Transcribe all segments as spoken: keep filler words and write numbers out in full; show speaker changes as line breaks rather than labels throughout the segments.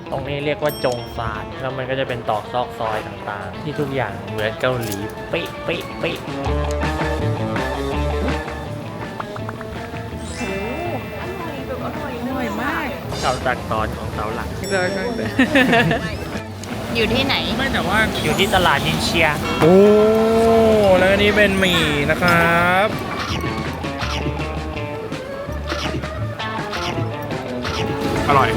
ตรงนี้เรียกว่าจงซานแล้วมันก็จะเป็นตอกซอกซอยต่างๆที่ทุกอย่างเหมือนเกาหลีเป๊ะเป๊ะเป๊ะ
อร่อยมาก
เสาตักตอนของเสาหลัก
อยู่ที่ไหน
ไม่แต่ว่า
อยู่ที่ตลาดนินเชีย
โอ้แล้วอันนี้เป็นหมี่นะครับ อร่อย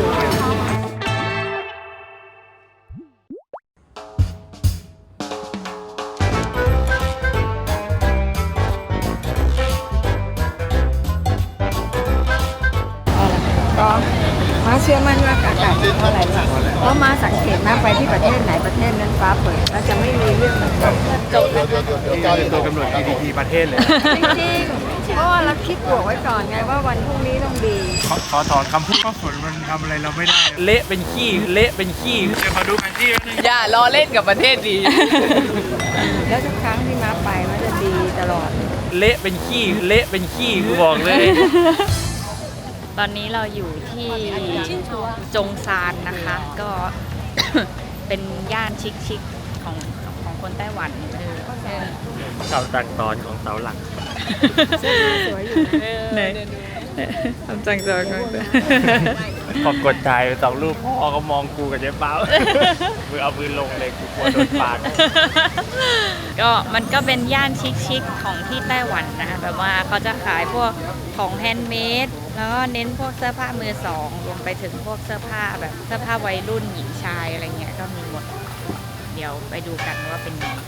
ก็มาเชื่อมั่นว่าอากาศดีเพราะอะไรล่ะเพราะมาสังเกตมากไปที่ประเทศไหนประเทศนั้นฟ้าเปิดแล้วจะไม่มีเรื่องมันจบแล้ว
ตัวกำหนด จี ดี พี ประเทศเลย
จริงๆเพราะว่าเราคิดบวกไว้ก่อนไงว่าวันพรุ่งนี้ต้องดี
ขอขอถอนคำพูดว่าฝนมันทำอะไรเราไม่ได้
เละเป็นขี้เละเป็นขี้
เดี๋ยวขอดูแผนที่แป๊บนึง
อย่าล้อเล่นกับประเทศดี
แล้วทุกครั้งที่มาไปมันจะดีตลอด
เละเป็นขี้เละเป็นขี้กูบอกเลย
ตอนนี้เราอยู่ที่จงซานนะคะ ก็ เป็นย่านชิคๆของของคนไต้หวันเออเออ
เสาตักตอนของเสาหลัก
สวยอยู่นะ
ไหนทำจังจัง
พอกดถ่ายสองรูปพ่อก็มองกูกับเจ๊เป้า มือเอาปืนลงเลยกูกลัวโดนปาด
ก็มันก็เป็นย่านชิคๆของที่ไต้หวันนะคะแบบว่าเขาจะขายพวกของแฮนด์เมดแล้วก็เน้นพวกเสื้อผ้ามือสองรวมไปถึงพวกเสื้อผ้าแบบเสื้อผ้าวัยรุ่นหญิงชายอะไรเงี้ยก็มีหมด เดี๋ยวไปดูกันว่าเป็นยังไง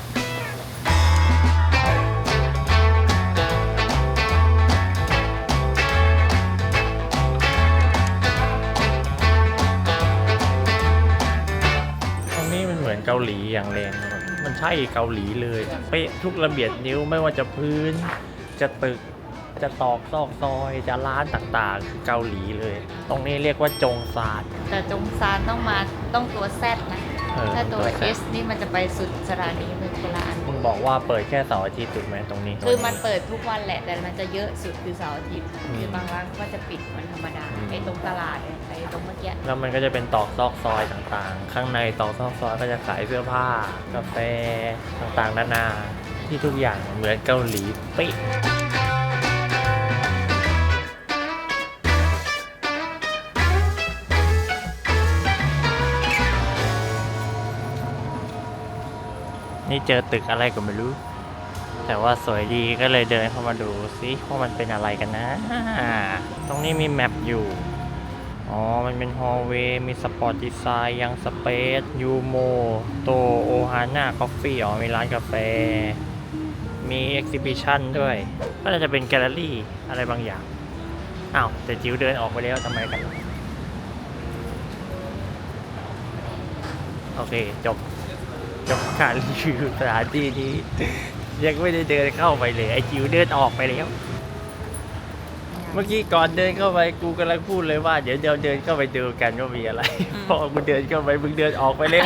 ตรงนี้มันเหมือนเกาหลีอย่างแรงนะครับมันใช่เกาหลีเลยเป๊ะทุกระเบียดนิ้วไม่ว่าจะพื้น จะตึก จะตอกซอกซอย จะร้านต่างๆคือเกาหลีเลย ตรงนี้เรียกว่าจงซาน
แต่จงซานต้องมาต้องตัว Z นะ
เออ
ถ้าตัว
ตัว Z
S นี่มันจะไปสุดสถานีเมืองโบราณ
มึงบอกว่าเปิดแค่เสาร์อาทิตย์ถูกไหมตรงนี้
คือมันเปิดทุกวันแหละ แต่มันจะเยอะสุดคือเสาร์อาทิตย์
อืม
คือบางร้านก็จะปิดวันธรรมดา
อืม
ไอ้ตรงตลาดเนี่ยไอ้ตรงเมื่อกี้
แล้วมันก็จะเป็นตอกซอกซอยต่างๆ ข้างในตอกซอกซอยก็จะขายเสื้อผ้า กาแฟต่างๆนานาที่ทุกอย่างเหมือนเกาหลีเป๊ะนี่เจอตึกอะไรก็ไม่รู้ แต่ว่าสวยดีก็เลยเดินเข้ามาดูซิว่ามันเป็นอะไรกันนะ ตรงนี้มีแมปอยู่ อ๋อ มันเป็นฮอลล์เวย์ มีสปอร์ตดีไซน์ ยังสเปซ ยูโม โต โอฮาน่า คอฟฟี่ อ๋อ มีร้านกาแฟ มีเอ็กซิบิชันด้วย ก็น่าจะเป็นแกลเลอรี่อะไรบางอย่าง อ้าว แต่จิ๋วเดินออกไปแล้วทำไมกัน โอเค จบ จบการรีวิวสถานที่นี้ ยังไม่ได้เดินเข้าไปเลย ไอจิ๋วเดินออกไปแล้ว เมื่อกี้ก่อนเดินเข้าไปกูกำลังพูดเลยว่าเดี๋ยวเดี๋ยวเดินเข้าไปดูกันว่ามีอะไร พอกูเดินเข้าไปมึงเดินออกไปแล้ว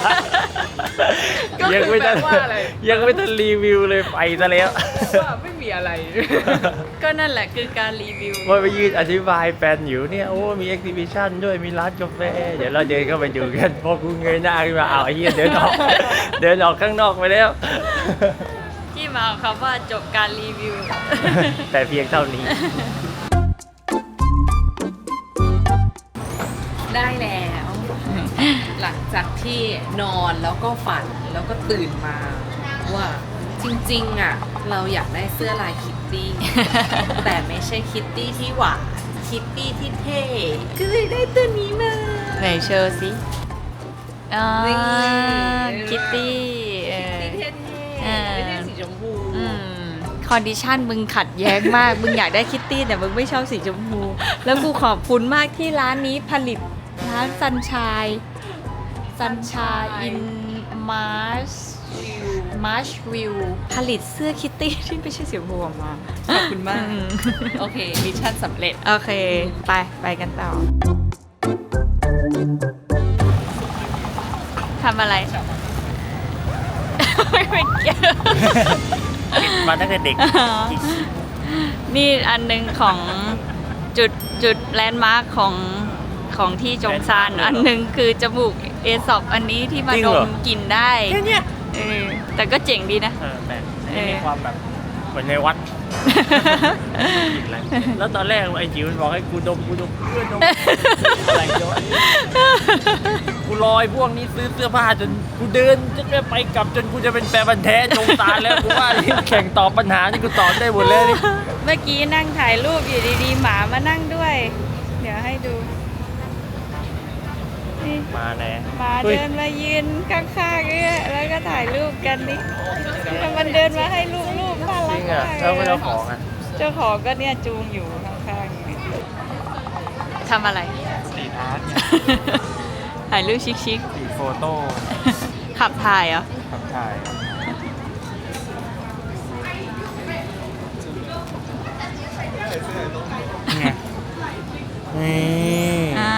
ยังไม่ทันยังไม่ทันรีวิวเลยไปซะแล้ว
ว่าไม่มีอะไร ก็นั่นแหละคือการรีวิว
ว่าไปยืนอธิบายแฟนอยู่เนี่ยโอ้มีเอ็กซิบิชันด้วยมีร้านกาแฟเดี๋ยวเราเดินเข้าไปดูกันพอกูเงยหน้าขึ้นมาอ้าวไอ้เหี้ยเดินออก เดินออกข้างนอกไปแล้ว
ที่มาของคำว่าจบการรีวิว
แต่เพียงเท่านี้
ได้แล้ว หลังจากที่นอนแล้วก็ฝันแล้วก็ตื่นมา ว่าจริงๆอ่ะเราอยากได้เสื้อลายคิตตี้ แต่ไม่ใช่คิตตี้ที่หวานคิตตี้ที่เท่ก็เลยได้ตัวนี้มา
ไหนเชอร์สิอ่า
นี่
คิตตี้เออ
คิตตี้
เอ
เท่
อ
ๆไม่ใช่สีชมพู
อืมคอนดิชันมึงขัดแย้งมาก มึงอยากได้คิตตี้แต่มึงไม่ชอบสีชมพู แล้วกูขอบคุณมากที่ร้านนี้ผลิตร้านซันชายซันชายอินมาร์ชมาร์ชวิวผลิตเสื้อคิตตี้ที่ไม่ใช่สีชมพูออกมา
ขอบคุณมาก โอเค มิชชั่นสำเร็จ
โอเค ไป ไปกันต่อทำอะไร ไม่เป็นเกี่ยว
มาตั้งแต่เด็ก
นี่อันหนึ่งของจุดจุดแลนด์มาร์คของของที่จงซานอันหนึ่งคือจมูกเอซอปอันนี้ที่มา
จริง
ด
เหรอ
มกลิ่นได้
แค่เนี้ย
เออแต่ก็เจ๋งดีนะ
เออแต่
เออ
มีความแบบเหมือนในวัดอีกแล้วแล้วตอนแรกไอ้จิ๋วมันบอกให้กูดมกูดมเพื่อนดมอะไรเยอะกูลอยพวกนี้ซื้อเสื้อผ้าจนกูเดินจะไปกลับจนกูจะเป็นแฟนพันธุ์แท้จงตาแล้วกูว่าแข่งตอบปัญหาที่กูตอบได้หมดเลยนี่
เมื่อกี้นั่งถ่ายรูปอยู่ดีๆหมามานั่งด้วย เดี๋ยวให้ดูนี่
มาแน่
หมา
เฮ้ย
เดินมายืนข้างๆเนี่ยแล้วก็ถ่ายรูปกันนี่แล้วมันเดินมาให้รูปๆน่า
จ
รั
ริ
ก
งอ่ะ
มาก
แล้วเจ้าของอ่ะ
เจ้าของก็เนี่ยจูงอยู่ข้างๆอย่างนี้ทำอะไร
สีอาร์ต
ถ่ายรูปชิค
สีโฟโต้
ๆขับถ่ายเหรอ
ขับถ่ายไงนี่
อ่า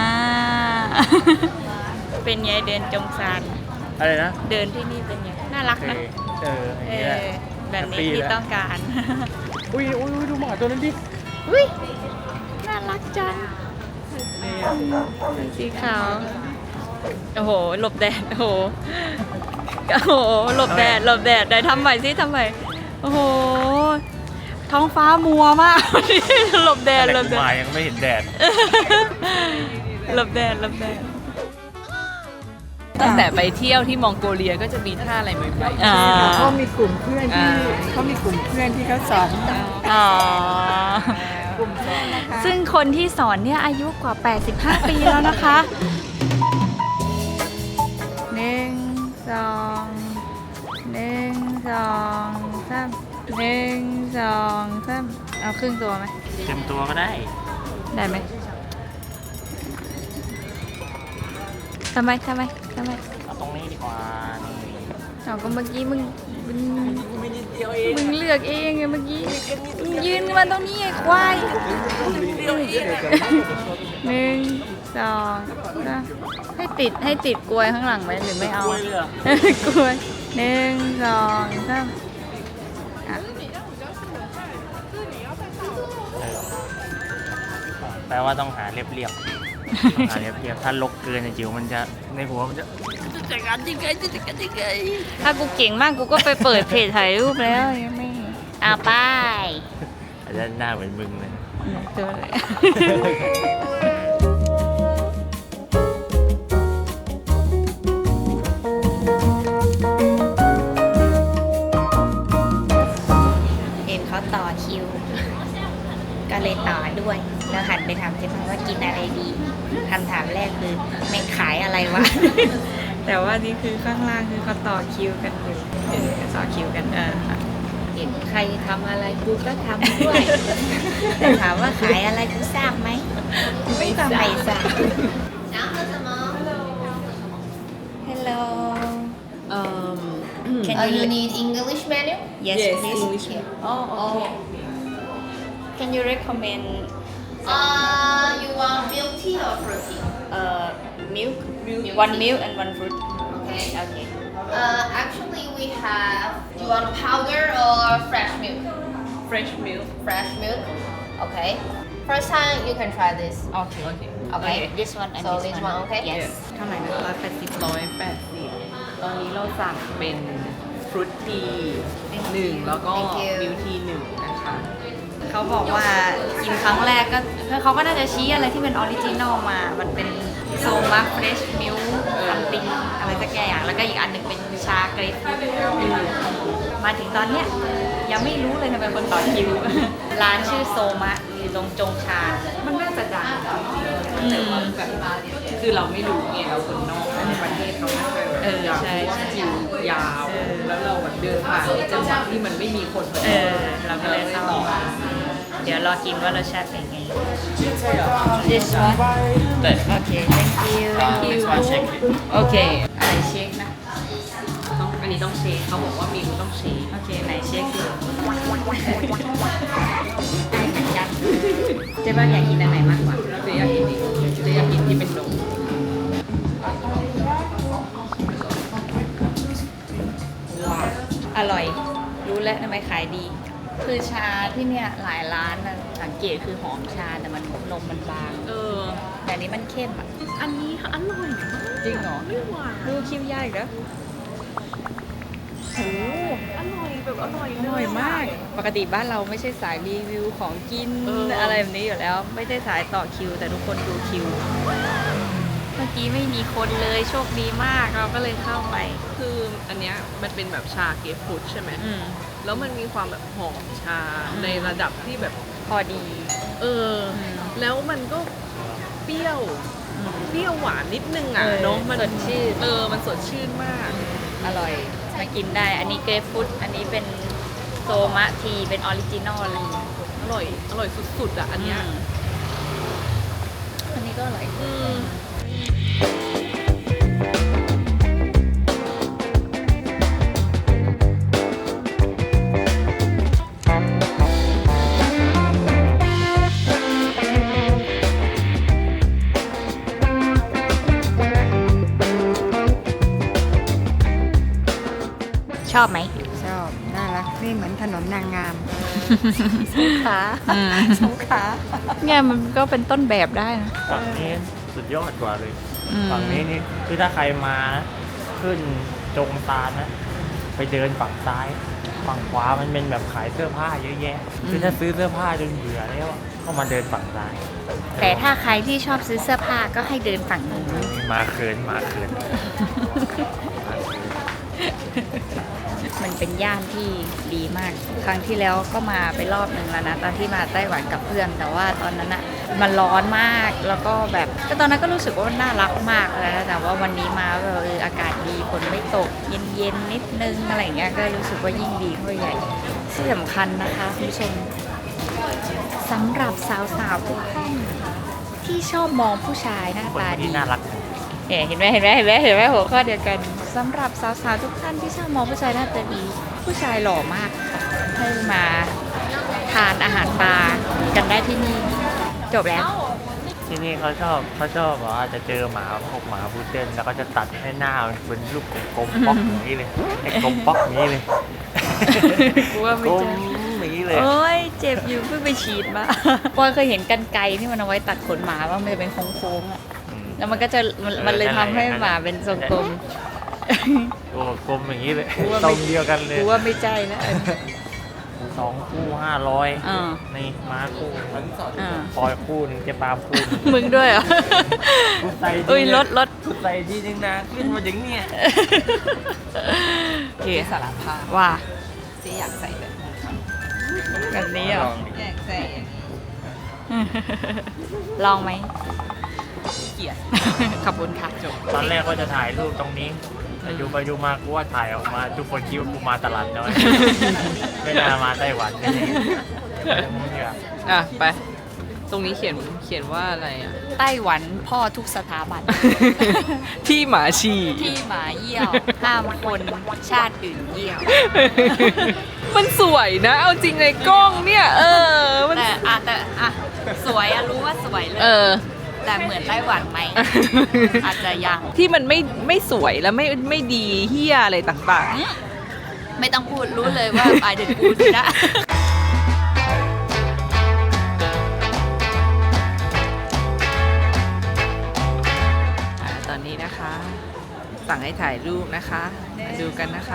เป็นไงเดินจงซาน
อะไรนะ
เดินที่นี่เป็นไงน่ารัก
โอเค
นะ
เอออย่าง
เอ
นี้แหละ
อแบบนี้
แฮปปี้
ที่
แล้ว
ต้องการ
อุ้ยอุ้ยอุ้ยดูหมาตัวนั้นดิ
อุ้ยน่ารักจัง
นี่
สีขาว โอ้โห หลบแดด โอ้โห โอ้โห หลบแดด หลบแดดไหนทำใหม่สิทำใหม่ โอ้โห ท้องฟ้ามัวมาก หลบแดด หลบแด
มา
ด
ยังไม่เห็นแดด
หลบแดด หลบแดด
ตั้งแต่ไปเที่ยวที่มองโกเลียก็จะมีท่าอะไรใหม่ๆ
อ่า
เขามีกลุ่มเพื่อนที่
อ่า
เขามีกลุ่มเพื่อนที่เขาสอน
อ๋อ
กลุ่มเพื่อนนะคะ
ซึ่งคนที่สอนเนี่ยอายุกว่า แปดสิบห้า ปีแล้วนะคะหนึ่งสองหนึ่งสองสามหนึ่งสองสามเอาครึ่งตัวไหม
เต็มตัวก็ได้
ได้ไหมทำไมทำไมทำไม
เอาตรงนี้ดีกว่า นี่
เอาก็เมื่อกี้มึงมึงมึงเลือกเองไงเมื่อกี้มึงยืนมาตรงนี้ไอ้ควายหนึ่งสองสามให้ติดให้ติดกลวยข้างหลังไหมหรือไม่เอา
กล้วยเลยเหรอ
กลวยหนึ่งสองสามอ่ะ
เออแปลว่าต้องหาเรียบเรียบๆต้องหาเรียบเรียบๆถ้าลกเกินในจิ๋วมันจะในหัวมันจะจะจัดการยังไงจะจัดการยังไง
ถ้ากูเก่งมากกูก็ไปเปิดเพจถ่ายรูปแล้วยังไม่เอาไป
อาจจะหน้าเหมือนมึงเลย
เจอเลยเห็นเขาต่อคิว ก็เลยต่อด้วย แล้วหันไปถามเจ๊พังว่ากินอะไรดีคำถามแรกคือแม่งขายอะไรวะ แต่ว่านี่คือข้างล่างคือเขาต่อคิวกันอยู่เออต่อคิวกันเออเห็นใครทำอะไรกูก็ทำด้วย แต่ถามว่าขายอะไรกูทราบไหมไม่ทราบไม่ทราบ Hello
Um,
Can
Uh,
you
you need English menu?
Yes,
Yes,
please.
English menu.
Oh, okay. Can you recommend
Uh, you want milk tea or fruit tea?
uh milk?
Milk
One
tea.
milk and one fruit.
Okay.
Okay.
Uh, actually, we have. Do you want powder or fresh milk?
fresh milk.
Fresh milk. Okay. First time you can try this.
Okay.
Okay.
Okay.
This one and
So
this,
this one, okay?
Yes.
เท่าไหร่นะร้อยแปดสิบร้อยแปดสิบตอนนี้เราสั่งเป็นฟรุตทีหนึ่งแล้วก็
Thank you
มิลทีหนึ่งนะคะ
เขาบอกว่ากินครั้งแรกก็เขาก็น่าจะชี้อะไรที่เป็นออริจินอลมา มันเป็นโซมาเฟรชมิลคัมติงอะไรสักอย่าง แล้วก็อีกอันหนึ่งเป็นชาเกรฟฟรุตมาถึงตอนเนี้ยยังไม่รู้เลยทำไมคนต่อคิว ร้านชื่อโซมะอยู่ตรงจงชา
มันน่าจะดังแต่ว่าแบบคือเราไม่รู้ไงเราคนนอกแต่ในประเทศเขาน่าจะ
เออ
อยาก
ใช่
รู้ว่า
ใช่
คิวยาว แล้วเราแบบเดินผ่านในจังหวะที่มันไม่มีคน
เออ เราก็เลยเข้ามาเดี๋ยวรอกินว่ารสชาติเป็นไง This one
แต่
โอเค thank you thank you
มาเช็ค
โอเคอะไรเช็คนะ
ต้องอันนี้ต้องเชคเขาบอกว่ามีต้องเชค
โอเค ไหนเช็คดิได้เหมือนกันเจ๊บ้านอยากกินอันไหนมากกว่า
เจ๊อยากกินอีกเจ๊อยากกินที่เป็นนม
อร่อย รู้แล้วทำไมขายดี คือชาที่เนี่ยหลายร้านนะสังเกตคือหอมชาแต่มันนมมันบาง
เออ
แต่นนี้มันเข้มอ่ะ
อันนี้อร่อยมาก
จริงเหรอ
ไม่หวาน
ดูคิวยากอีกแล้วโอ้
อร่อยแบบอร่อย
อร่อยมาก ปกติบ้านเราไม่ใช่สายรีวิวของกิน
เอออ
อะไรแบบนี้อยู่แล้ว ไม่ได้สายต่อคิว แต่ทุกคนดูคิว เมื่อกี้ไม่มีคนเลยโชคดีมากเราก็เลยเข้าไป
คืออันเนี้ยมันเป็นแบบชาเกฟฟูดใช่ไหม
อืม
แล้วมันมีความแบบหอมชา
อืม
ในระดับที่แบบ
พอดี
เอออ
ม
แล้วมันก็เปรี้ยว
อืม
เปรี้ยวหวานนิดนึงอ่ะ
เออ
เนาะมัน
สดชื่น
เออมันสดชื่นมาก
อร่อยมากินได้ อันนี้เกรฟฟูดอันนี้เป็นโซมะทีเป็นออริจินอลเลย
อร่อย อร่อยสุดๆอ่ะอันเนี้ย
มอันนี้ก็อร่อย
อืม
ชอบไหม
ชอบ น่ารัก นี่เหมือนถนนนางงาม
ขา
สงขลา
เนี่ยมันก็เป็นต้นแบบได้นะ
ฝั่งนี้สุดยอดกว่าเลย
อืม
ฝั่งนี้นี่คือถ้าใครมานะขึ้นจงซานนะ ไปเดินฝั่งซ้าย ฝั่งขวามันเป็นแบบขายเสื้อผ้าเยอะแยะ คือถ้าซื้อเสื้อผ้าจนเบื่อแล้วอะก็มาเดินฝั่งซ้าย
แต่ถ้าใครที่ชอบซื้อเสื้อผ้าก็ให้เดินฝั่งนู้น
มาเขินมาเขินมาเขิน
มันเป็นย่านที่ดีมาก ครั้งที่แล้วก็มาไปรอบหนึ่งแล้วนะ ตอนที่มาไต้หวันกับเพื่อน แต่ว่าตอนนั้นอะมันร้อนมาก แล้วก็แบบก็ตอนนั้นก็รู้สึกว่ามันน่ารักมากเลยนะแต่ว่าวันนี้มาแบบเอออากาศดีฝนไม่ตก เย็นๆนิดนึงอะไรอย่างเงี้ย ก็รู้สึกว่ายิ่งดีเข้าไปใหญ่ที่สำคัญนะคะคุณผู้ชมสำหรับสาวๆทุกท่านที่ชอบมองผู้ชายหน้า
คน
ตาดี
ที่น่ารัก
เห็นไหมเห็นไหมเห็นไหมเห็นไหมหัวข้อเดียวกันสำหรับสาวๆทุกท่านที่ชอบมองผู้ชายหน้าตาดีผู้ชายหล่อมากให้มาทานอาหารปลากันได้ที่นี่จบแล้ว
ที่นี่เขาชอบเขาชอบแบบว่าจะเจอหมาพวกหมาพุดเดิ้ลแล้วก็จะตัดให้หน้ามันเป็นรูปกลมๆป๊อกอย่างนี้เลยไอ้กลมป๊อกอย่างนี้เลย
กูว่าไม่
กลม
เจอ
อย่างนี้เลย
โอ้ยเจ็บอยู่เพิ่งไปฉีดมาปอยเคยเห็นกันไกรที่มันเอาไว้ตัดขนหมาว่ามันจะเป็นโค้งๆอ่ะ
อืม
แล้วมันก็จะมันมันเลยทำให้หมาเป็นทรงกลม
โอ้กลมอย่างนี้เลย
กูว่า
ทร
ไม่
งเดียวกันเลย
กูว่าไม่ใจแล้วอันนี้
สองคู่ห้าร้อย
อ่า
นี่ม้าคู่
อ่า
ปอยคู่หนึงเจ๊ปาล์มคู่หนึง
มึงด้วยเหรอ
กูใส่ที
อุ้ยรถรถ
กูใส่ทีนึงนะขึ้นมาถึงเนี่ย
โอเค
สารภาพ
ว่า
เจ๊อยากใส่แบบนี้
แบบนี้เหรอ
อยากใส่อย่างนี้
ลองไหม
เกลียด
ขอบคุณค่ะจบ
ตอนแรกก็จะถ่ายรูปตรงนี้แต่ดูไปดูมากูว่าถ่ายออกมาทุกคนคิดว่ากูมาตลาดน้อย ไม่น่ามาไต้หวันนี่มึงอย่า
อ่ะ ไป ตรงนี้เขียนเขียนว่าอะไรอ่ะ
ไต้หวันพ่อทุกสถาบัน
ที่หมาชี
ที่หมาเยี่ยว ห้ามคนชาติอื่นเยี่ยว
มันสวยนะ เอาจริงในกล้องเนี่ย เออ มัน
แต่อะแต่อะสวยอะรู้ว่าสวยเลย
เออ
แต่เหมือนไต้หวันไหม อาจจะยัง
ที่มันไม่ไม่สวยแล้วไม่ไม่ดีเฮียอะไรต่าง
ไม่ต้องพูดรู้เลยว่าไอเดนกูสินะ
ๆอ่าตอนนี้นะคะ สั่งให้ถ่ายรูปนะคะมาดูกันนะคะ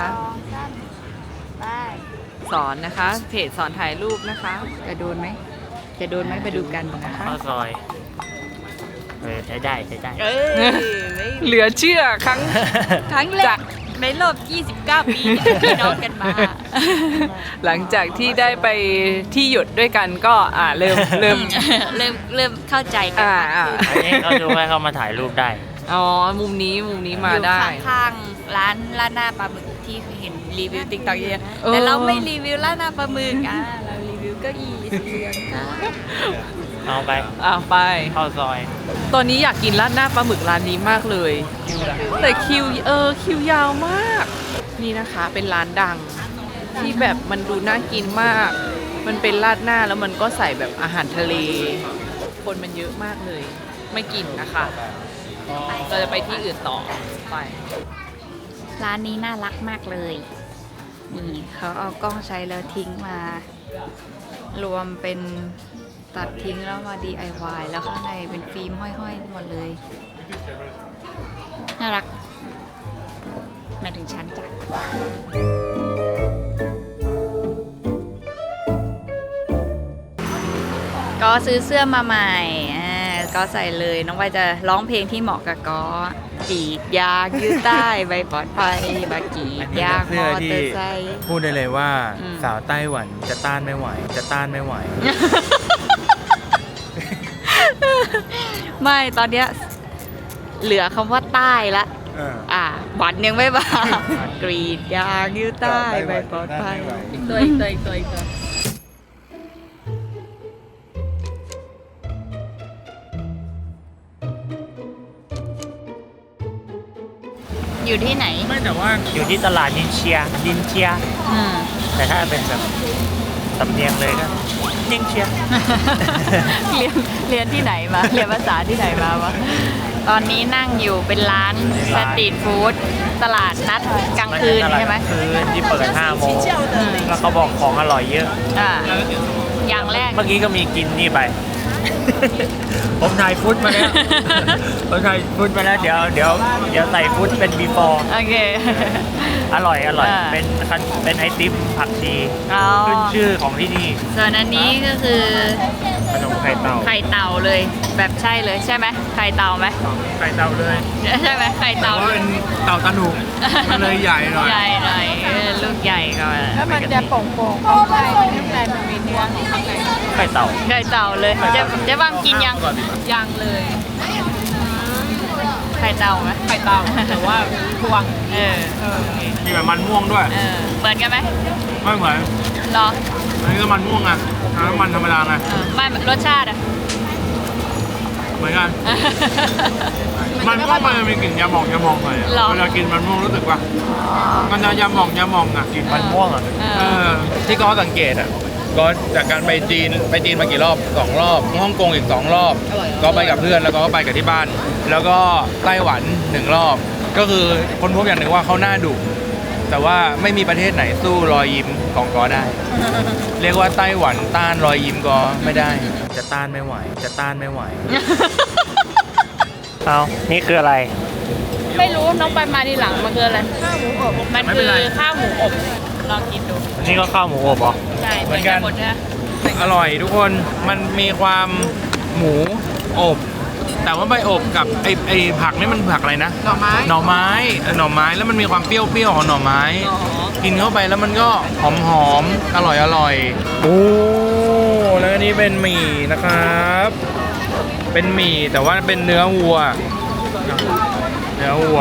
สอนนะคะ เพจสอนถ่ายรูปนะคะ
จะโดนไหม จะโดนไหมไปดูกันนะคะ
ข้าวซอยเออใช้ได้ใช้ได้
เอ้ย
เหลือเชื่อครั้ง
ครั้งแรกในรอบ ยี่สิบเก้า ปีที่เป็นพี่น้องกันมา
หลังจากที่ได้ไปที่หยุดด้วยกันก็อ่าเริ่มเริ่ม
เริ่มเริ่มเข้าใจกัน
อ่าม
าก
อ่า
ขึ้น
อันนี้เขาดูให้เขามาถ่ายรูปได้
อ๋อ มุมนี้มุมนี้มาได้
อยู่ข้างๆร้านร้านหน้าปลาหมึกที่เห็นรีวิวติ๊กต็อกเยอะ
เออ
แต่เราไม่รีวิวร้านหน้าปลาหมึกอ่ะเรารีวิวเก้าอี้สีเหลืองค่ะ
เอาไป
อ่าไป
ข้าวซอย
ตอนนี้อยากกินราดหน้าปลาหมึกร้านนี้มากเลย แต่คิวเออคิวยาวมาก นี่นะคะเป็นร้านดังที่แบบมันดูน่ากินมาก มันเป็นราดหน้าแล้วมันก็ใส่แบบอาหารทะเล คนมันเยอะมากเลย ไม่กินนะคะเราจะไปที่อื่นต่อไป
ร้านนี้น่ารักมากเลย นี่เขาเอากล้องใช้แล้วทิ้งมา รวมเป็นตัดทิ้งแล้วมา ดี ไอ วาย แล้วข้างในเป็นฟิล์มห้อยๆหมดเลย น่ารักมาถึงชั้นจ้ะก็ซื้อเสื้อมาใหม่อ่าก็ใส่เลยน้องใบจะร้องเพลงที่เหมาะกับก็กรีดยางยืดใต้ใบปลอดภัยบากรีดยางมอเตอร์ไซค์
พูดได้เลยว่า
อืม
สาวไต้หวันจะต้านไม่ไหว จะต้านไม่ไหว
ไม่ตอนเนี้ยเหลือคำว่าใต้ละ
เออ
อ่าหวันยังไม่มากรีดยางยืดใต้ใบปลอดภัยอีกตัวอีกตัวอีกตัวอีกตัวอยู่ที่ไหน
ไม่แต่ว่า
อยู่ที่ตลาดนินเชียนินเชีย
อืม
แต่ถ้าเป็นแบบสำเนียงเลยก็นินเชีย
เรียนเรียนที่ไหนมา เรียนภาษาที่ไหนมาวะตอนนี้นั่งอยู่เป็นร้านสตรีทฟู้ดตลาดนัดกลางคืนใช่ไหม
คืนที่เปิดห้าโมงแล้วเขาบอกของอร่อยเยอะ
อ่าอย่างแรก
เมื่อกี้ก็มีกินนี่ไป ผมถ่ายฟุตมาแล้ว ผมถ่ายฟุตมาแล้ว เดี๋ยวเดี๋ยวเดี๋ยวใส่ฟุตเป็น before
โอเค
อร่อยอร่อย
อ่า
เป็นคันเป็นไอติมผักชี
อ๋อ
ขึ้นชื่อของที่นี่
ส่วนอันนี้ก็คือ
ขนมไข่เต่า
ไข่เต่าเลย แบบใช่เลยใช่ไหมไข่เต่าไหม
ไข่เต่าเลย
ใช่ไหมไข่
แต่
เต่า
ว่าเป็นเต่าตะหนุมันเลยใหญ่หน่อย
ใหญ่หน่อยเออลูกใหญ่ก่อน
แล้วมันจะโป่งๆข้างในข้างในมันมีเนื้อของข้างใน
ไข่เต่า
ไข่เต่าเลยเจะเจะบ้างกินยังยังเลยไข่เต่าไหมไข่เต่าแต่ว่าพวงเออ
มีแบบมันม่วงด้วย
เออเหมือนกันไหม
ไม่เหมือน
รอ
อันนี้ก็มันม่วงอ่ะอันนั้นมันธรรมดาไง
เออไม่รสชาติอะ
เหมือนกัน มันม่วงมันจะมีกลิ่นยาหม่องยาหม่องหน่อยอะ
หรอ
เวลากินมันม่วงรู้สึกว่ามันจะยาหม่องยาหม่องอ่ะกลิ่น
มันม่วงอ่ะ
เอ
เอ
อ
อที่ก็สังเกตอ่ะก็จากการไปจีนไปจีนมากี่รอบสองรอบฮ่องกงอีกสองรอบ ก็ไปกับเพื่อนแล้วก็ไปกับที่บ้าน แล้วก็ไต้หวันหนึ่งรอบ ก็คือคนพบอย่างหนึ่งว่าเขาหน้าดุแต่ว่าไม่มีประเทศไหนสู้รอยยิ้มของกอได้ เรียกว่าไต้หวันต้านรอยยิ้มกอไม่ได้ จะต้านไม่ไหว จะต้านไม่ไหว
เอานี่คืออะไร
ไม่รู้น้องไปมาทีหลังมันคืออะไรข้าวหมูอบมัน
ไม่เป็
คื
น
อ
ไร
ข้าวหมูอบลองกินดู
อันนี้ก็ข้าวหมูอบเหรอ
ใช่
เหมือนกัน
หมดนะ
อร่อยทุกคนมันมีความหมูอบ แต่ว่าใบอบกับไอไอผักนี่มันผักอะไรนะ
หน่อไม้
หน่อไม้เออหน่อไม้แล้วมันมีความเปรี้ยวๆของหน่อไม้ กินเข้าไปแล้วมันก็หอมๆอร่อยอร่อยโอ้แล้วอันนี้เป็นหมี่นะครับ เป็นหมี่แต่ว่าเป็นเนื้อวัว เนื้อวัว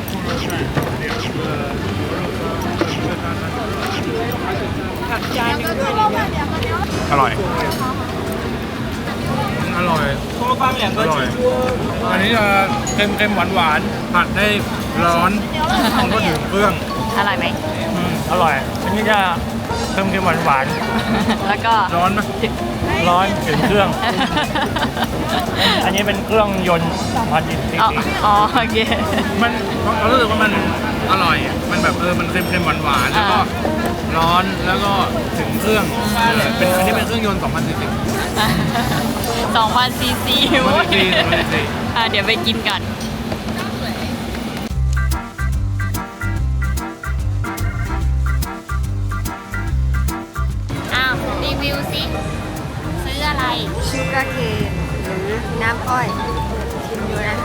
อร่อย อร่อย อร่อย อันนี้จะเค็มเค็มหวานหวานๆผัดได้ร้อนมันก็ถึงเครื่อง
อร่อยไหม
อืม
อร่อย อันนี้จะเค็มเค็มหวานหวาน
แล้วก็
ร้อนไหม
ๆร้อนถึงเครื่อง อันนี้เป็นเครื่องยนต์พันจริง
อ๋ออ๋อโอเค
มันเรารู้สึกว่ามันอร่อยอะมันแบบเออมันเค็มเค็มหวานหวานๆแล้วก็
อ่า
ร้อนแล้วก็ถึงเครื่องเออเป็นอันนี้เป็นเครื่องยนต์สองพันสี่สิบ
สองพันซีซี
สองพันซีซีสองพันซีซี
อ่ะเดี๋ยวไปกินกันอ้าวรีวิวสิซื้ออะไร
ชูการ์เคนหรือน้ำอ้อยชิมดูนะ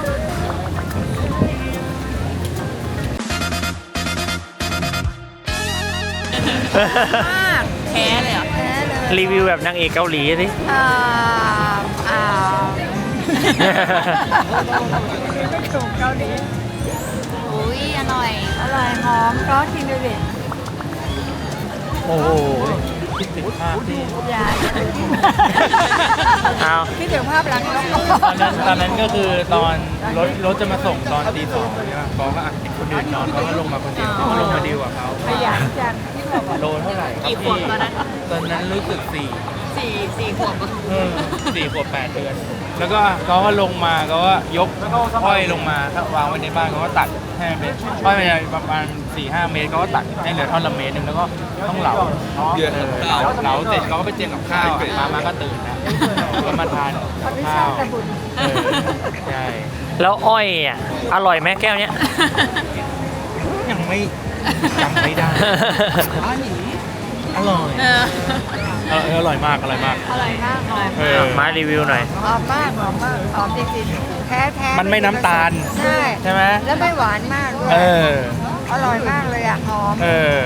มาก
แพ้เลยเหรอ
แท้เลย
รีวิวแบบนางเอกเกาหลีสิ
อ่าอ่าถูกเกาหลี
อุ้ยอร่อย
อร่อยหอมก็กินดูดิ
โอ้โหคิดถึงภาพที่
อย่า
เอา
คิดถึงภาพลักษณ์แล้วก็
ตอนนั้นตอนนั้นก็คือตอนรถรถจะมาส่งตอนตีสองใช่ไหมเขาก็อ่ะเห็นคนอื่นนอนเขาก็ลงมาคนเดียวเขาก็ลงมาดีลกับเขา
ขยันจัง
โลเท่าไหร่
กี่ขวบตอนนั้น
ตอนนั้นรู้สึกสี่
สี่สี่ขวบ
เออสี่ขวบแปดเดือน แล้วก็เขาก็ลงมาเขาก็ยกอ้อยลงมาถ้าวางไว้ในบ้านเขาก็ตัดให้เมตรอ้อยมันจะประมาณสี่ห้าเมตรเขาก็ตัดให้เหลือท่อนละเมตรหนึงแล้วก็ต้องเหลาเออเหลาเหลาเสร็จเขาก็ไปเตรียมกับข้าวอะมามาก็ตื่นนะก็มาทาน
เขาไม่ใช่ตะบุญ
เออใช่
แล้วอ้อยอ่ะอร่อยไหมแก้วเนี้ย
ยังไม่จำไม่ได้อร่อย
เออ
เอออร่อยมากอร่อยมาก
อร่อยมากหอม
เออ
มารีวิวหน่อย
หอมมากหอมมากหอมจริงๆแท้แท้
มันไม่น้ำตาล
ใช่
ใช่ไหม
แล้วไม่หวานมากด้วย
เออ
อร่อยมากเลยอ่ะหอม
เออ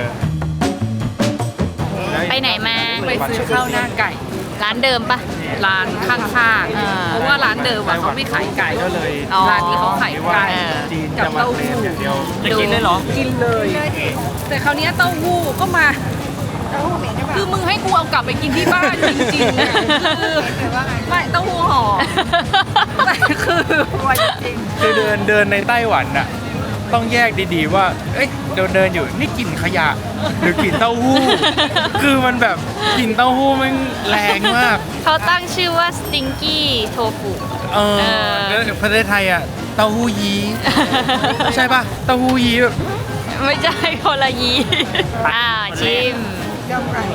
ไปไหนมา
ไปซื้อข้าวหน้าไก่
ร้านเดิมปะ
ร้านข้าง
อ่า
ๆ เพราะว่าร้านเดิมอะเขาไม่ขายไก่
ก็เลย
อ๋อ
ร้านนี้เขาขายไก่
จีน
กับ
จะมา
เต้า
เคล
หู้
มอย่างเดียว
จะกินเลยเหรอ
กินเลย แต่คราวเนี้ยเต้าหู้ก็มา
เต้าหู้เหม็นใช่ปะ
คือมึงให้กูเอากลับไปกินที่บ้านจริงๆอะคือ
แต่ว่าไง
ไม่เต้าหู้ห่อแต่คือ
กลัวจริง
คือเดินเดินในไต้หวันน่ะต้องแยกดีๆว่า เอ้ยเดินเดินอยู่นี่กลิ่นขยะ หรือกลิ่นเต้าหู้ คือมันแบบกลิ่นเต้าหู้มันแรงมาก
เขาตั้งชื่อว่า stinky tofu
เออ
เออ
แล้วประเทศไทยอ่ะเต้าหู้ยี้ ใช่ป่ะเต้าหู้ยี้แบบ
ไม่ใช่คนละยีอ่าชิม
ๆเจ้าไก่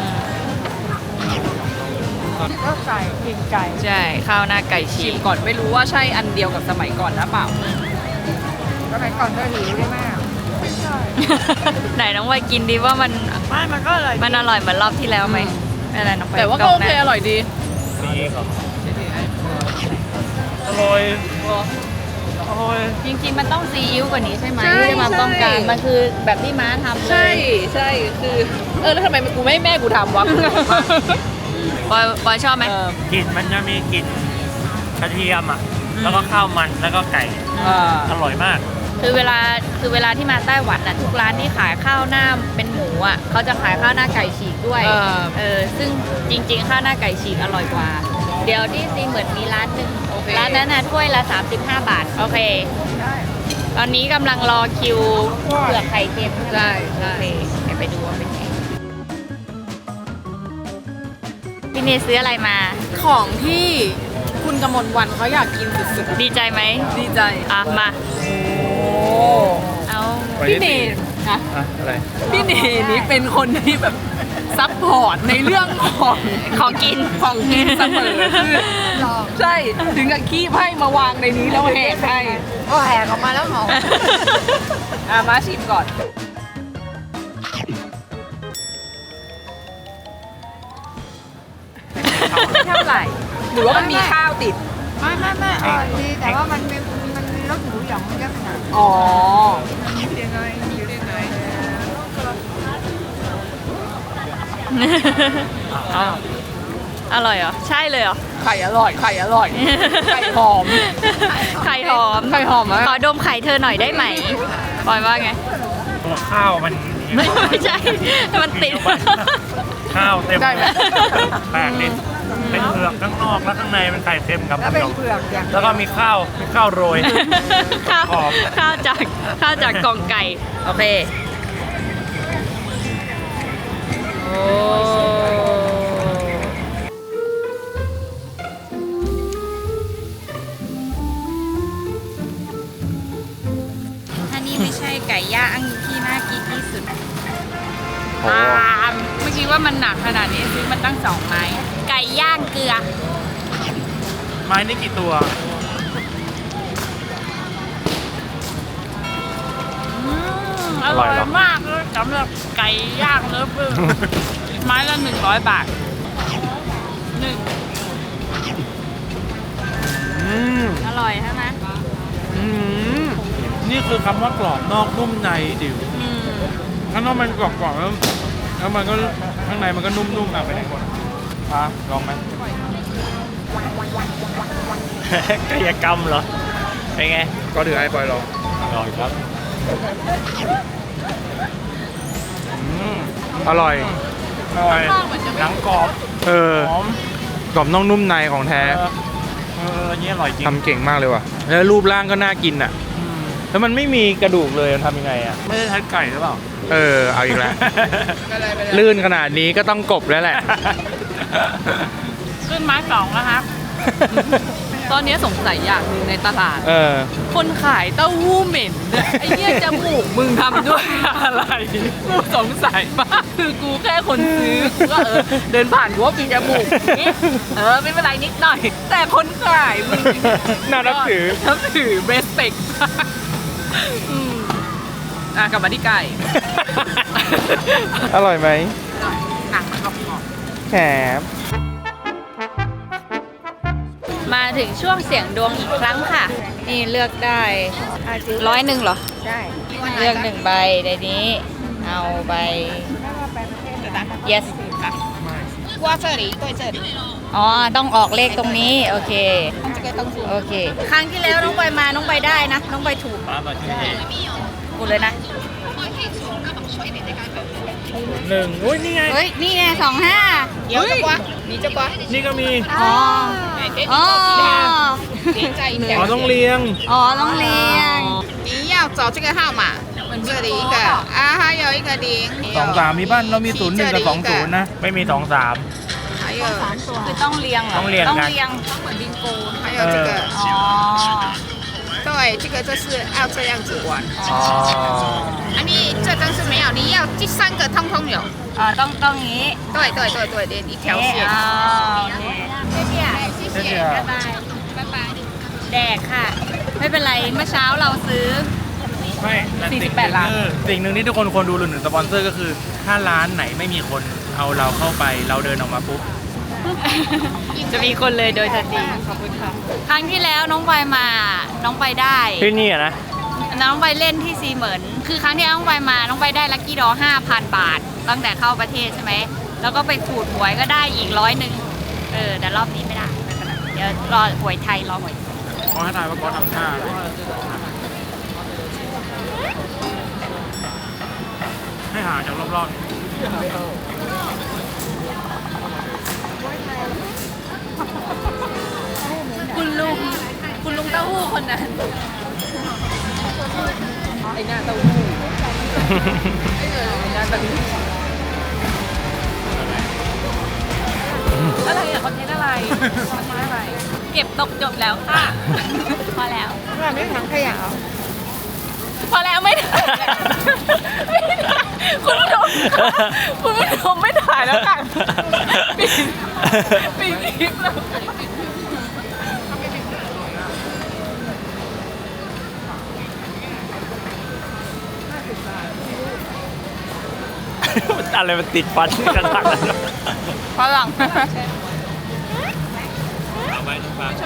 ก็ไก่กินไก่
ใช่ ข้าวหน้าไก่ฉี
ชิม
ก
ก่อนไม่รู้ว่าใช่อันเดียวกับสมัยก่อนนะเปล่า
สมัยก่อนก็หิวได้มากไม่ใช่
ไหนน้องวายกินดีว่ามัน
ไม่มันก็อร่อย
มันอร่อยเหมือนรอบที่แล้วไหมไม่เป็นไรน้องไป
แต่ว่าก็โอเค
ล้งหน้
อร่อยดี
นี่ครับอร่อยอร่อย
จริงๆมันต้องซีอิ๊วกว่านี้ใช่ไหม
ใช่
ที่มาต้องการ
ใช่
มันคือแบบที่ม้าทำเลย
ใช่ใช่คือ เออแล้วทำไมกูไม่ให้แม่กูทำวะ
ปอยปอยชอบไหม
เออก
ลิ่นมันจะมีกลิ่นกระเทียมอ่ะ แล้วก็ข้าวมันแล้วก็ไก่
เออ
อร่อยมาก
คือเวลาคือเวลาที่มาไต้หวันน่ะทุกร้านที่ขายข้าวหน้าเป็นหมูอ่ะเขาจะขายข้าวหน้าไก่ฉีกด้วย
เออ
เออซึ่งจริงๆ ข้าวหน้าไก่ฉีกอร่อยกว่า เดี๋ยวที่ซีเหมือนมีร้านหนึ่ง
โอเค
ร้านนั้นน่ะถ้วยละสามสิบห้าบาท โอเค ตอนนี้กำลังรอคิวเผือกไข่เค็มใช่ไหม
ใช่ใช่
โอเคเดี๋ยวไปดูว่าเป็นไงพี่เนยซื้ออะไรมา
ของที่คุณกมลวันเขาอยากกินสุด
ดีใจไหม
ๆดีใจ
อ่ะมา
โอ้
เอา
พี่เนนนะ
อะอะไร
พี่เนนี่เป็นคนที่แบบซัพพอร์ตในเรื่องของ
ของกิน
ของกินเสมอคือใช่ถึงกับขี้ไพ่มาวางในนี้แล้วแหกให้
ก็แหกออกมาแล้วหอม
อ่ะมาชิมก่อนไม่เท่าไหร่ หรือว่ามันมีข้าวติด
ไม่ไม่ไม่อร่อยดีแต่ว่ามันมีมันมีรสหมูหยองเยอะขนาด
อ๋อ
ยังไงอยู่ได้ไง
อร่อยเหรอ ใช่เลยเหรอ
ไข่อร่อย ไข่อร่อย ไข่หอม
ไข่หอม
ไข่หอมมาก
ขอดมไข่เธอหน่อยได้ไหมปอยว่าไง
ตัวข้าวมัน
ไม่ไม่ใช่ มันติด
ข้าวเต็ม
ได้ไหม
แปลกดิเป็นเผือกข้างนอกแล้วข้างในเป็นไข่เต็มครับ
แล้วเป็นเผือกอย่าง
แล้วก็มีข้าวมีข้าวโรย
ข้าว
หอม
ข้าวจากข้าวจากกล่องไก่ โอเค โอ้ถ้านี่ไม่ใช่ไก่ย่างที่น่ากินที่สุด
โอ้
อ่าไม่คิดว่ามันหนักขนาดนี้ซื้อมันตั้งสองไม้ ไก่ย่างเกลือ
ไม้นี่กี่ตัว
อืมอ
อร่
ร่
อ
อย ย
เหรอ
มากเลยสำหรับไก่ย่างเนื้อปึ้ง ไม้ละหนึ่งร้อยบาทหนึ่ง
อืม
อร่อยใช่ไหม
อืมนี่คือคำว่ากรอบนอกนุ่มในดิว
อืม
ข้างนอกมันกรอบๆแล้วแล้วมันก็ข้างในมันก็นุ่มๆอ่ะไปไหนก่อนอ่ะลองไหม
กายกรรมเหรอ เป็นไง
ก็ถือไอ้ปอยลอง
อร่อยครับ
อืมอร่อยอร่อย
หนังกรอบ
เออ
หอม
กรอบนอกนุ่มในของแท้
เออเอออันนี้อร่อยจริง
ทำเก่งมากเลยว่ะแล้วรูปร่างก็น่ากินอ่ะ
อืม
แล้วมันไม่มีกระดูกเลยมันทำยังไงอ่ะ
ไม่ได้ใช้ไก่หรือเปล่า
เออเอาอีกแล้ว ลื่นขนาดนี้ก็ต้องกบแล้วแหละ
ขึ้นไม้สองแล้วครับ
ไ
ตอนนี้สงสัยอย่างหนึ่งในตลาด
เออ
คนขายเต้าหู้เหม็นเนี่ยไอ้เนี่ยจมูกมึงทำด้วยอะไรกูสงสัยมากคือกูแค่คนซื้อกูก็เออเดินผ่านกูว่ามีจมูกนี่เออไม่เป็นไรนิดหน่อย แต่คนขายมึง
น่านับถือ
นับถือ respect อืมอ่ะกลับมาที่ไก่
อร่อยไหม
หนังมันกรอบ
แถม
มาถึงช่วงเสี่ยงดวงอีกครั้งค่ะ นี่เลือกได้ร้อยหนึ่งเหรอ
ใช่
เลือกหนึ่งใบในนี้ เอาใบ yes
qua这里对这里
อ๋อ ต้องออกเลขตรงนี้ โอเค โอเค ครั้งที่แล้วน้องใบมา น้องใบได้นะ น้องใบถูกกูเลยนะ
หนึ่งอุ้ยนี่ไง
เฮ้ย นี่ไงสองห้า
有这瓜你这瓜
นี่ก็มี
อ๋อ อ๋อ
连在一
อ๋อ
条
ต้องเรียง
อ๋อ ต้องเรียง
你要找这个号码这里一个啊还有一个零
สองสามมีบ้านเรามีศูนย์หนึ่งกับสองศูนย์นะ
ไม่มีสองสาม
还有
คือต้องเรียงเหรอ
ต้องเรียง
ต้อง
กัน
เรียง
还有这个
อ๋อ
对这个就是要这样子玩
อ๋อ
啊你这张是没有你要这三个通通有
อ๋อ ต้องต้องงี้
对对对对连一条
เอ๊ะ
线
อ๋อโอเค谢谢
谢谢拜拜拜拜
แดกค่ะ ไม่เป็นไร เมื่อเช้าเราซื้อ
ไม่แต่
สี่สิ
สิ่
บ
ง
แปดล้าน
คือสิ่งหนึ่งที่ทุกคนควรดูหรือหนึ่งสปอนเซอร์ก็คือ ถ้าร้านไหนไม่มีคนเอาเราเข้าไปเราเดินออกมาปุ๊บ
จะมีคนเลยโดยทันทีขอบคุณค่ะ ครั้งที่แล้วน้องใบมา น้องใบได้
ที่นี่อะนะ
น้องใบเล่นที่ซีเหมินคือครั้งที่แล้วน้องใบมา น้องใบได้ลัคกี้ดอห้าพันบาท ตั้งแต่เข้าประเทศใช่ไหม แล้วก็ไปขูดหวยก็ได้อีกร้อยหนึ่งเออ แต่รอบนี้ไม่ได้ไม่เป็นไรเดี๋ยวรอหวยไทยรอหวย
ก็ให้ทายว่าก็ทำท่าอะไรให้หาจากรอบๆ
คุณลุง คุณลุงเต้าหู้คนนั้น ไอ้หน้าเต้าหู้ไอ้หน้าเต้าหู้อะไรอะคอนเทนต์อะไรคอนเทนต์อะไร เก็บตกจบแล้วค่ะ พอแล้ว
ว่าไม่ถังขยะเหรอ
พอแล้วไม่ถ่ายไม่ถ่ายคุณผู้ชมค่ะคุณผู้ชมไม่ถ่ายแล้วค่ะปิดปิดคลิปแล้ว
อะไรมันติดฟันกันหลัง
ฝรั่ง
เอาไปทุกฟัง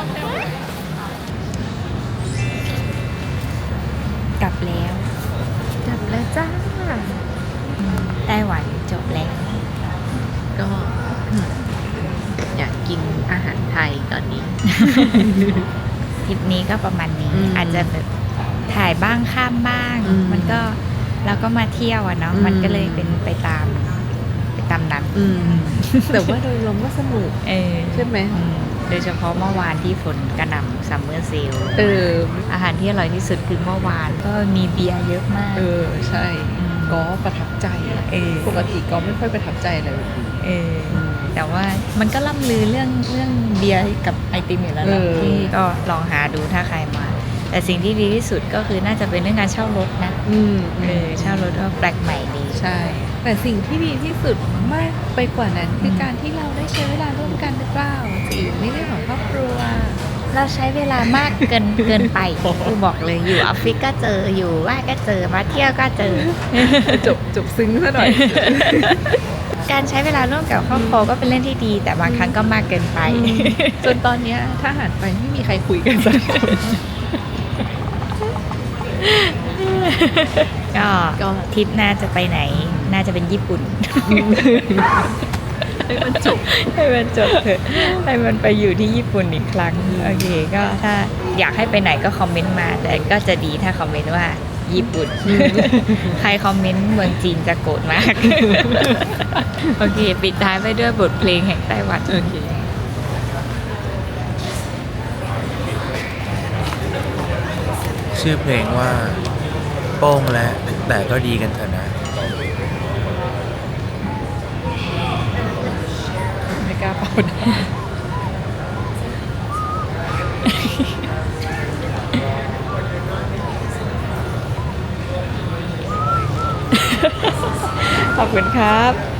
กลับแล้วจบแล้วจ้าไต้หวันจบแล้ว
ก็อยากกินอาหารไทยตอนนี้
ทริปนี้ก็ประมาณนี้
อืม
อาจจะแบบถ่ายบ้างข้ามบ้าง
อืม
มันก็เราก็มาเที่ยวอะเนาะ
อืม
มันก็เลยเป็นไปตามไปตามนั้น
อืมแต่ว่าโดยรวมก็สนุก
เออ
ใช่ไหม
อืมโดยเฉพาะเมื่อวานที่ฝนกระหน่ำซัมเมอร์เซล
เออ
อาหารที่อร่อยที่สุดคือเมื่อวานก็มีเบียร์เยอะมาก
เออ ใช่
อืม
ก็ประทับใจอะ
เออ
ปกติก็ไม่ค่อยประทับใจอะไรแบบนี้
เออแต่ว่ามันก็ล่ำลือเรื่องเรื่องเบียร์กับไอติมอยู่แล้ว
เอ
นะ
อ
ที่ก็ลองหาดูถ้าใครมา แต่สิ่งที่ดีที่สุดก็คือน่าจะเป็นเรื่องการเช่ารถนะ
อืม
เออเช่ารถก็แปลกใหม่ดี
ใช่ แต่สิ่งที่ดีที่สุดมากไปกว่านั้นคือการที่เราได้ใช้เวลาร่วมกันหรือเปล่าจีในเรื่องของครอบครัว
เราใช้เวลามากเกินเกินไปกูบอกเลยอยู่ออฟฟิศก็เจออยู่ว่านก็เจอมาเที่ยวก็เจอ
จบจบซึ้งซะหน่อย
การใช้เวลาร่วมกับครอบครัวก็เป็นเรื่องที่ดี แต่บางครั้งก็มากเกินไป
จนตอนเนี้ยถ้าหันไปไม่มีใครคุยกันสักคน
ก็
ก็
ทริปหน้าจะไปไหน น่าจะเป็นญี่ปุ่น
ให้มันจบ
ให้มันจบเถอะให้มันไปอยู่ที่ญี่ปุ่นอีกครั้ง โอเค ก็ถ้าอยากให้ไปไหนก็คอมเมนต์มา แต่ก็จะดีถ้าคอมเมนต์ว่าญี่ปุ่น ใครคอมเมนต์เมืองจีนจะโกรธมาก โอเค ปิดท้ายไปด้วยบทเพลงแห่งไต้หวัน
โอเค
ชื่อเพลงว่า โป้งและแต่ก็ดีกันเถอะนะ
ไม่กล้าเป่านะ
ขอบคุณครับ